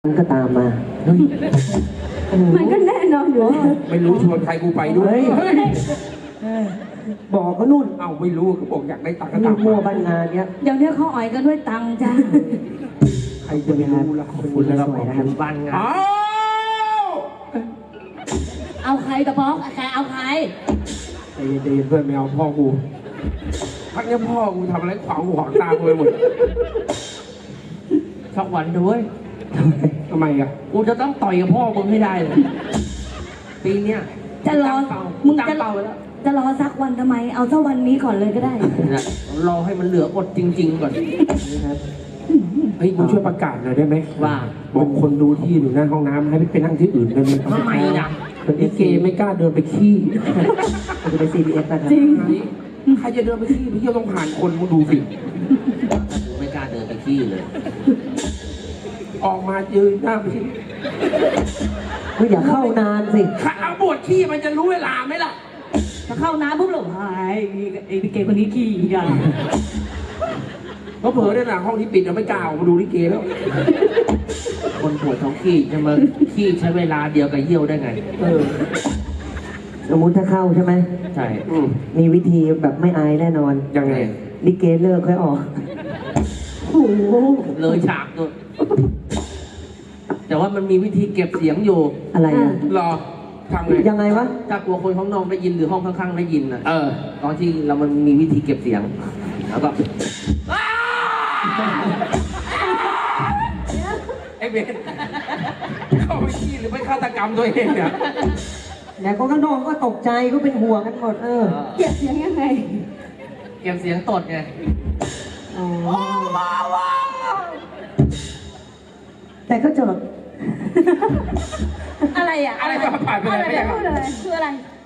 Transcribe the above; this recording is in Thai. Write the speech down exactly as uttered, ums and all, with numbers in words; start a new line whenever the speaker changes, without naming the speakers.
มันก็ตามมาเฮ้ย
มันก็แน่นอนอยู่
ไม่รู้ชวนใครกูไปด้วย
เฮ้ยบอกก็นู่น
เอ้าไม่รู้เขาบอกอยากได้ตังค์ก็
นี่
ตาม
มั่ว
มา
บ้านงานเนี้ย
เดี๋ยวเนี้ยเขาอ่อยกันด้วยตังค์จ้า
ใครจะไปรู้ล่ะขอบคุณนะครับ
สวยนะครับ
บ้านงานอ้าว
เอาใครตะป๊อกใครเอาใคร
ใจเย็นใจเย็นเพื่อนไม่เอาพ่อกูพักนี้พ่อกูทำอะไรขวางหูขวางตากูไปหมดสักวันด้วยทำไมอ่ะกูจะต้องต่อยกับพ่อมึงให้ได้เลยปีเนี้ย
จะรอ
เป้า
มึง
ตั้
จะ
งเป้าไว้แล้ว
จะรอสักวันทำไม เอาสักวันนี้ก่อนเลยก็ได้
นะรอให้มันเหลืออดจริง ๆ ก่อน
นะครับ
เฮ้ยมึงช่วยประกาศหน่อยได้ไหมว่าบอกคนดูที่อยู่หน้าห้องน้ำให้ไปนั่งที่อื่นได้ไหมทำไมอ่ะคนที่เกย์ไม่กล้าเดินไปขี้
เราจะไป ซี บี เอส นะครับ
จริง
ใครจะเดินไปขี้พี่เที่ยวต้องผ่านคนมึงดูสิ
ไม่กล้าเดินไปขี้เลย
ออกมายืนหน้าไปขี้
ก็อย่าเข้านานสิ
ถ้าเอาบทขี้มันจะรู้เวลาไหมล่ะ
ถ้าเข้าน้ำปุ๊บหลงหายไอ้พี่เกย์คนนี้ขี้อีกอ่ะ
เพราะเผลอในหลังห้องที่ปิดเราไม่กล้าออกมาดูลิเกแล้ว
คนปวดท้องขี้จะมาขี้ใช้เวลาเดียวกับเยี่ยวได้ไง
เออ
สมมุติถ้าเข้าใช่ไหม
ใช่
อืม
มีวิธีแบบไม่อายแน่นอน
ยังไง
ลิเกเลิกค่อยออก
โอ้โห
เลยฉากด้วยแต่ว่ามันมีวิธีเก็บเสียงอยู่
อะไรอ่ะ
รอทำไง
ยังไงวะ
ถ้ากลัวคนข้างนอกได้ยินหรือห้องข้างๆได้ยินอ่ะ
เออ
ตอนที่เรามันมีวิธีเก็บเสียง แล้วก็
ไอ้เบนเข้าไปขี้หรือไปฆาตกรรมตัวเองเนี่ย
แต่คนข้างนอกก็ตกใจก็เป็นห่วงกันหมดเออ
เก็บเสียงยังไง
เก็บเสียงตดไง
อ๋อแต่ก็จบ
อะไรอ่ะ
อะไรจะผ่านไป
อะไร
ไหนไม่
จะ
ยัง
พูดอะไรคืออะไร